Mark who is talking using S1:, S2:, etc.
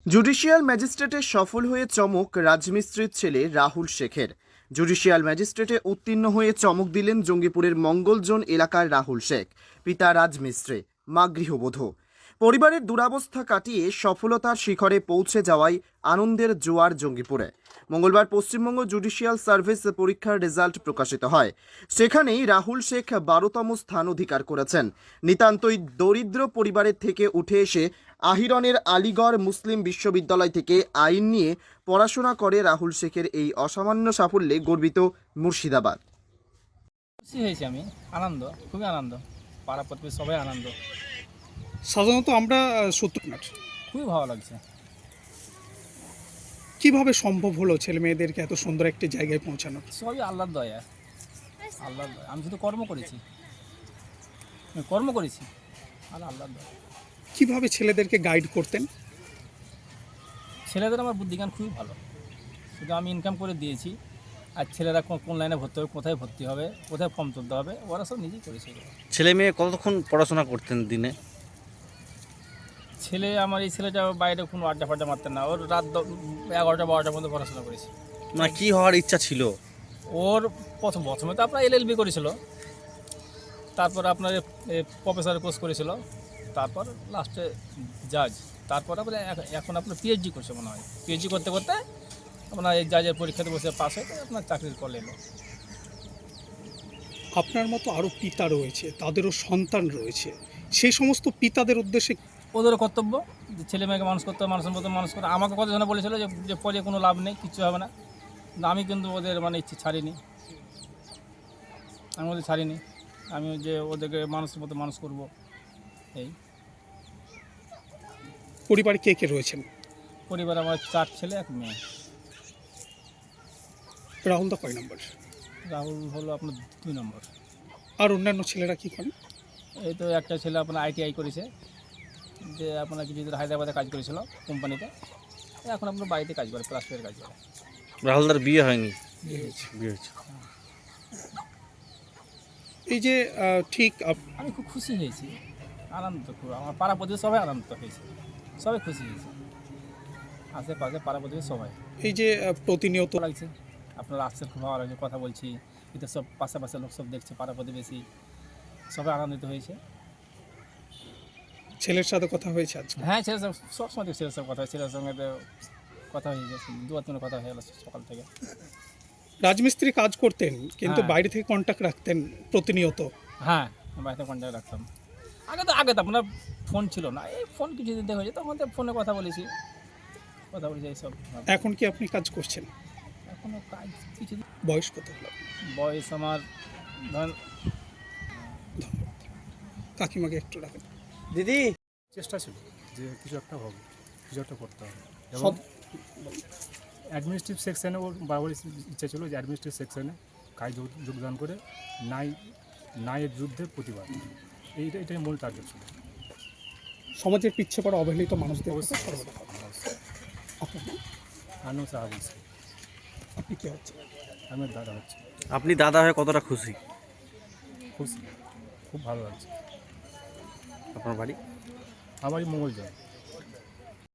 S1: Judicial ম্যাজিস্ট্রেটে সফল হয়ে চমক রাজমিস্ত্রির ছেলে রাহুল শেখের। জুডিশিয়াল ম্যাজিস্ট্রেটে উত্তীর্ণ হয়ে চমক দিলেন জঙ্গিপুরের মঙ্গলজোন এলাকার রাহুল শেখ। পিতা রাজমিস্ত্রি, মা গৃহবধূ। পরিবারের দুরাবস্থা কাটিয়ে সফলতার শিখরে পৌঁছে যাওয়ায় আনন্দের জোয়ার জঙ্গিপুরে। মঙ্গলবার পশ্চিমবঙ্গ জুডিশিয়াল সার্ভিস পরীক্ষার রেজাল্ট প্রকাশিত হয়। সেখানেই রাহুল শেখ 12তম স্থান অধিকার করেছেন। নিতান্তই দরিদ্র পরিবারের থেকে উঠে এসে আহিরনের আলিগড় মুসলিম বিশ্ববিদ্যালয় থেকে আইন নিয়ে পড়াশোনা করে রাহুল শেখের এই অসামান্য সাফল্যে গর্বিত মুর্শিদাবাদ।
S2: খুশি হয়েছি আমি, আনন্দ, খুবই আনন্দ। পাড়া প্রতিবেশী সবাই আনন্দ,
S3: সাধারণত আমরা সত্যনাট
S2: খুবই ভালো লাগছে।
S3: কিভাবে সম্ভব হলো ছেলে মেয়েদেরকে এত সুন্দর একটি জায়গায় পৌঁছানো?
S2: সবই আল্লাহর দয়া, আল্লাহর দয়া। আমি শুধু কর্ম করেছি আর আল্লাহর দয়া।
S3: কিভাবে ছেলেদেরকে গাইড করতেন?
S2: ছেলেদের আমার বুদ্ধিজ্ঞান খুবই ভালো, শুধু আমি ইনকাম করে দিয়েছি। আর ছেলেরা কোন লাইনে ভর্তি হবে, কোথায় ভর্তি হবে, কোথায় ফর্ম তুলতে হবে, ওরা সব নিজেই করেছে।
S4: ছেলে মেয়ে কতক্ষণ পড়াশোনা করতেন দিনে?
S2: ছেলে আমার এই ছেলেটা বাইরে কোনো আড্ডা ফাড্ডা মারতেন না, ওর রাত 11টা 12টার মধ্যে পড়াশোনা করেছে।
S4: মানে কি হওয়ার ইচ্ছা ছিল
S2: ওর প্রথমে তো আপনার LLB করেছিল, তারপর আপনার প্রফেসরের কোর্স করেছিল, তারপর লাস্টে জাজ, তারপর আপনার এখন আপনার PhD করছে মনে হয়। PhD করতে করতে আপনার এই জাজের পরীক্ষাতে বসে পাস হয়ে আপনার চাকরির কল এলো।
S3: আপনার মতো আরও পিতা রয়েছে, তাদেরও সন্তান রয়েছে, সেই সমস্ত পিতাদের উদ্দেশ্যে
S2: ওদেরও কর্তব্য যে ছেলে মেয়েকে মানুষ করতে হবে, মানুষের মতো মানুষ করে। আমাকে কতজনে বলেছিল যে পরে কোনো লাভ নেই, কিচ্ছু হবে না, কিন্তু আমি কিন্তু ওদের ইচ্ছে ছাড়িনি। আমি যে ওদেরকে মানুষের মতো মানুষ করব। এই
S3: পরিবারে কে কে রয়েছেন?
S2: পরিবার আমার 4 ছেলে 1 মেয়ে।
S3: রাহুল দা কয় নম্বর?
S2: রাহুল হলো আপনার 2 নম্বর।
S3: আর অন্যান্য ছেলেরা কি করেন?
S2: এই তো একটা ছেলে আপনার ITI করেছে, যে আপনার কিছুদিন হায়দ্রাবাদে কাজ করেছিল কোম্পানিতে, এখন আপনার বাড়িতে কাজ করে, প্লাস্টারের কাজ করে।
S4: রাহুলদার বিয়ে হয়নি? বিয়ে হয়েছে।
S3: এই যে ঠিক
S2: আমি খুব খুশি হয়েছি, আনন্দ খুব। আমার পাড়া প্রতিবেশী সবাই আনন্দ হয়েছে, সবাই খুশি হয়েছে, আশেপাশে পাড়া প্রতিবেশী সবাই।
S3: এই যে প্রতিনিয়ত
S2: ভালো লাগছে, আপনার আসছে, খুব ভালো লাগছে, কথা বলছি, এটা সব পাশাপাশি লোক সব দেখছে, পাড়া প্রতিবেশী সবাই আনন্দিত হয়েছে।
S3: ছেলের সাথে কথা হয়েছে আজকে?
S2: হ্যাঁ, ছেলের সবসময় ছেলের সব কথা হয়, ছেলের সঙ্গে তো কথা হয়ে গেছে, 2-3 কথা হয়ে গেল সকাল থেকে।
S3: রাজমিস্ত্রি কাজ করতেন, কিন্তু
S2: হ্যাঁ।
S3: বাইরে থেকে কন্ট্যাক্ট রাখতেন প্রতিনিয়ত?
S2: হ্যাঁ, বাড়িতে কন্ট্যাক্ট রাখতাম। আগে তো আপনার ফোন ছিল না, এই ফোন কিছুদিন থেকে হয়েছে, তখন তো ফোনে কথা বলেছি এইসব।
S3: এখন কি আপনি কাজ করছেন?
S2: এখনও কাজ কিছু।
S3: বয়স কত হলো?
S2: বয়স আমার ধরেন।
S3: কাকিমাকে একটু রাখেন।
S4: দিদি,
S5: চেষ্টা ছিল যে কিছু একটা হবে, কিছু একটা করতে হবে। এবং
S3: সব
S5: অ্যাডমিনিস্ট্রেটিভ সেকশানে ওর বরাবর ইচ্ছা ছিল যে অ্যাডমিনিস্ট্রেটিভ সেকশানে কাজ যোগদান করে ন্যায়ের যুদ্ধে প্রতিবাদ, এটাই মূল টার্গেট ছিল।
S3: সমাজের পিছিয়ে পড়া অবহেলিত মানুষদের কথা
S5: অবশ্যই।
S3: সর্বদা ভাবেন। আপনার নাম?
S5: আনন্দ সাহা বলছি,
S3: আপনি কে হচ্ছে?
S5: আমার দাদা হচ্ছে।
S4: আপনি দাদা হয়ে কতটা খুশি?
S5: খুশি, খুব ভালো লাগছে।
S4: আপনার বাড়ি?
S5: আমারই মঙ্গলজোন।